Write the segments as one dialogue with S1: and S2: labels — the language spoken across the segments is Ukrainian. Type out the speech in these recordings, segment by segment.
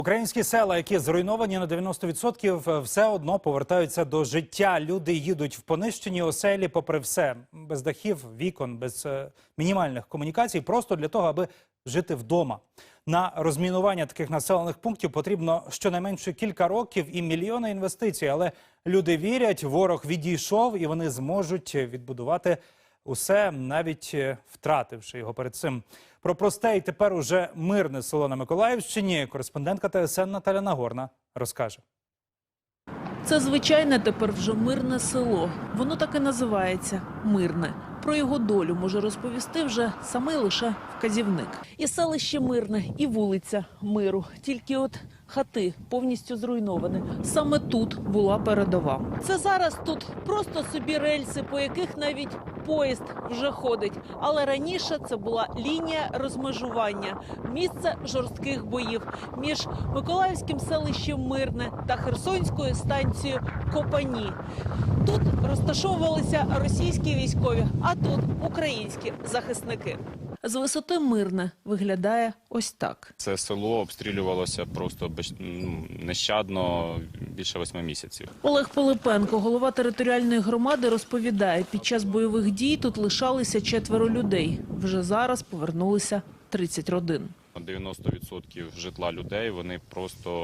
S1: Українські села, які зруйновані на 90%, все одно повертаються до життя. Люди їдуть в понищені оселі попри все. Без дахів, вікон, без мінімальних комунікацій, просто для того, аби жити вдома. На розмінування таких населених пунктів потрібно щонайменше кілька років і мільйони інвестицій. Але люди вірять, ворог відійшов і вони зможуть відбудувати усе, навіть втративши його перед цим. Про просте і тепер уже мирне село на Миколаївщині кореспондентка ТСН Наталя Нагорна розкаже.
S2: Це звичайне тепер вже мирне село. Воно так і називається – Мирне. Про його долю може розповісти вже самий лише вказівник. І селище Мирне, і вулиця Миру. Тільки от хати повністю зруйновані. Саме тут була передова. Це зараз тут просто собі рельси, по яких навіть поїзд вже ходить. Але раніше це була лінія розмежування, місце жорстких боїв між Миколаївським селищем Мирне та Херсонською станцією Копані. Тут розташовувалися російські військові, а тут українські захисники. З висоти Мирне виглядає ось так.
S3: Це село обстрілювалося просто нещадно більше 8 місяців.
S2: Олег Пилипенко, голова територіальної громади, розповідає, під час бойових дій тут лишалися 4 людей. Вже зараз повернулися 30 родин.
S3: 90% житла людей, вони просто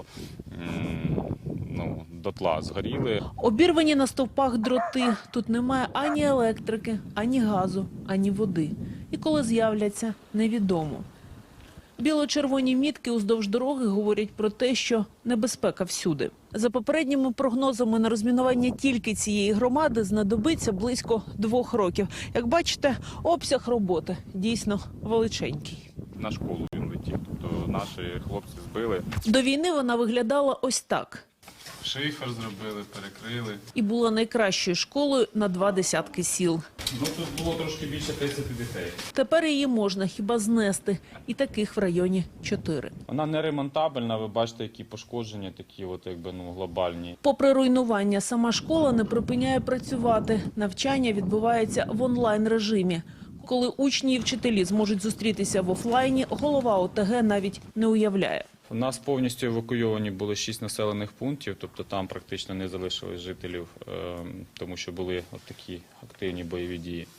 S3: дотла згоріли.
S2: Обірвані на стовпах дроти. Тут немає ані електрики, ані газу, ані води. І коли з'являться, невідомо. Біло-червоні мітки уздовж дороги говорять про те, що небезпека всюди. За попередніми прогнозами, на розмінування тільки цієї громади знадобиться близько 2 років. Як бачите, обсяг роботи дійсно величенький.
S3: На школу він летів, тобто наші хлопці збили.
S2: До війни вона виглядала ось так.
S3: Шифер зробили, перекрили.
S2: І була найкращою школою на 20 сіл.
S3: Тут було трошки більше 30 дітей.
S2: Тепер її можна хіба знести. І таких в районі 4.
S3: Вона не ремонтабельна, ви бачите, які пошкодження такі глобальні.
S2: Попри руйнування, сама школа не припиняє працювати. Навчання відбувається в онлайн-режимі. Коли учні і вчителі зможуть зустрітися в офлайні, голова ОТГ навіть не уявляє.
S3: У нас повністю евакуйовані були 6 населених пунктів, тобто там практично не залишилось жителів, тому що були такі активні бойові дії.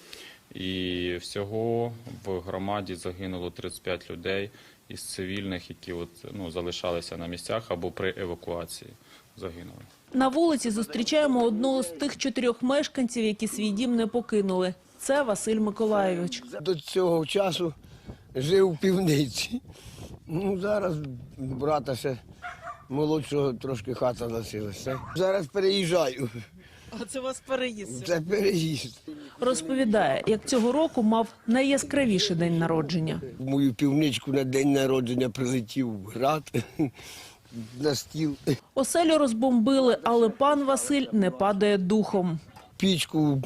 S3: І всього в громаді загинуло 35 людей із цивільних, які залишалися на місцях або при евакуації загинули.
S2: На вулиці зустрічаємо одного з тих 4 мешканців, які свій дім не покинули. Це Василь Миколайович.
S4: До цього часу жив у півниці. Зараз брата ще молодшого трошки хата лишилася. Зараз переїжджаю.
S2: А це у вас переїзд?
S4: Це переїзд.
S2: Розповідає, як цього року мав найяскравіший день народження.
S4: В мою півничку на день народження прилетів град на стіл.
S2: Оселю розбомбили, але пан Василь не падає духом.
S4: Пічку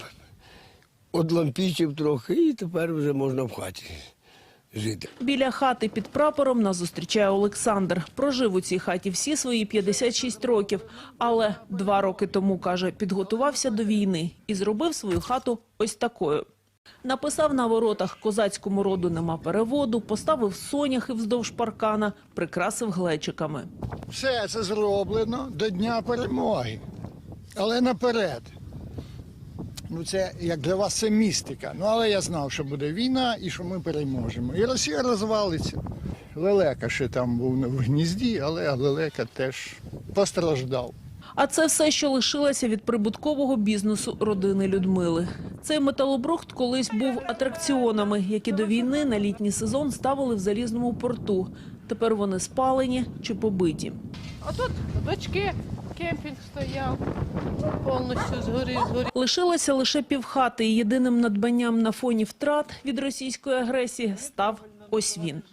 S4: одлампічив трохи і тепер вже можна в хаті жити.
S2: Біля хати під прапором нас зустрічає Олександр. Прожив у цій хаті всі свої 56 років. Але 2 роки тому, каже, підготувався до війни і зробив свою хату ось такою. Написав на воротах «Козацькому роду нема переводу», поставив соняхи вздовж паркана, прикрасив глечиками.
S5: Все це зроблено до Дня перемоги, але наперед. Це, як для вас, це містика. Але я знав, що буде війна і що ми переможемо. І Росія розвалиться. Лелека ще там був в гнізді, але Лелека теж постраждав.
S2: А це все, що лишилося від прибуткового бізнесу родини Людмили. Цей металобрухт колись був атракціонами, які до війни на літній сезон ставили в Залізному порту. Тепер вони спалені чи побиті.
S6: А тут дочки, кемпінг стояв, повністю згорів.
S2: Лишилося лише півхати, і єдиним надбанням на фоні втрат від російської агресії став ось він.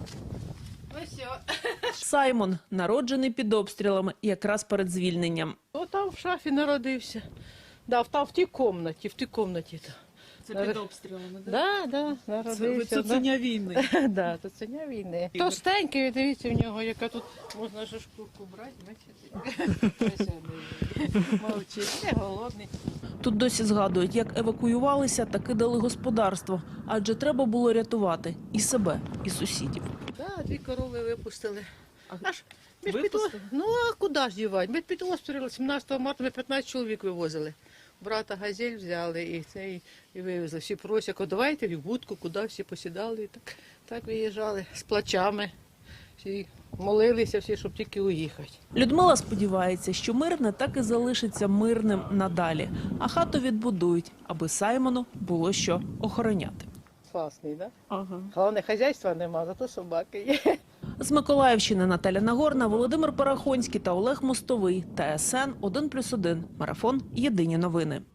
S2: Саймон, народжений під обстрілами, якраз перед звільненням.
S6: Там в шафі народився. Там в тій кімнаті.
S2: Це під обстрілами,
S6: так? Так, народився.
S2: Це цуценя війни.
S6: Так, цуценя війни. Товстенький, дивіться в нього, яка тут можна ж шкурку брати, бачите? Мовчить, не голодний.
S2: Тут досі згадують, як евакуювалися та кидали господарство, адже треба було рятувати і себе, і сусідів.
S6: Так, 2 корови випустили. Аж Ну а куди ж дівати? Ми під обстріли 17 марта ми 15 чоловік вивозили. Брата «Газель» взяли і вивезли. Всі просять, давайте в будку, куди всі посідали. І так виїжджали з плачами. Всі молилися, всі, щоб тільки уїхати.
S2: Людмила сподівається, що Мирне так і залишиться мирним надалі, а хату відбудують, аби Саймону було що охороняти.
S6: Класний, так? Да? Ага. Головне, хазяйства нема, зато собаки є.
S2: З Миколаївщини Наталя Нагорна, Володимир Парахонський та Олег Мостовий. ТСН 1+1. Марафон. Єдині новини.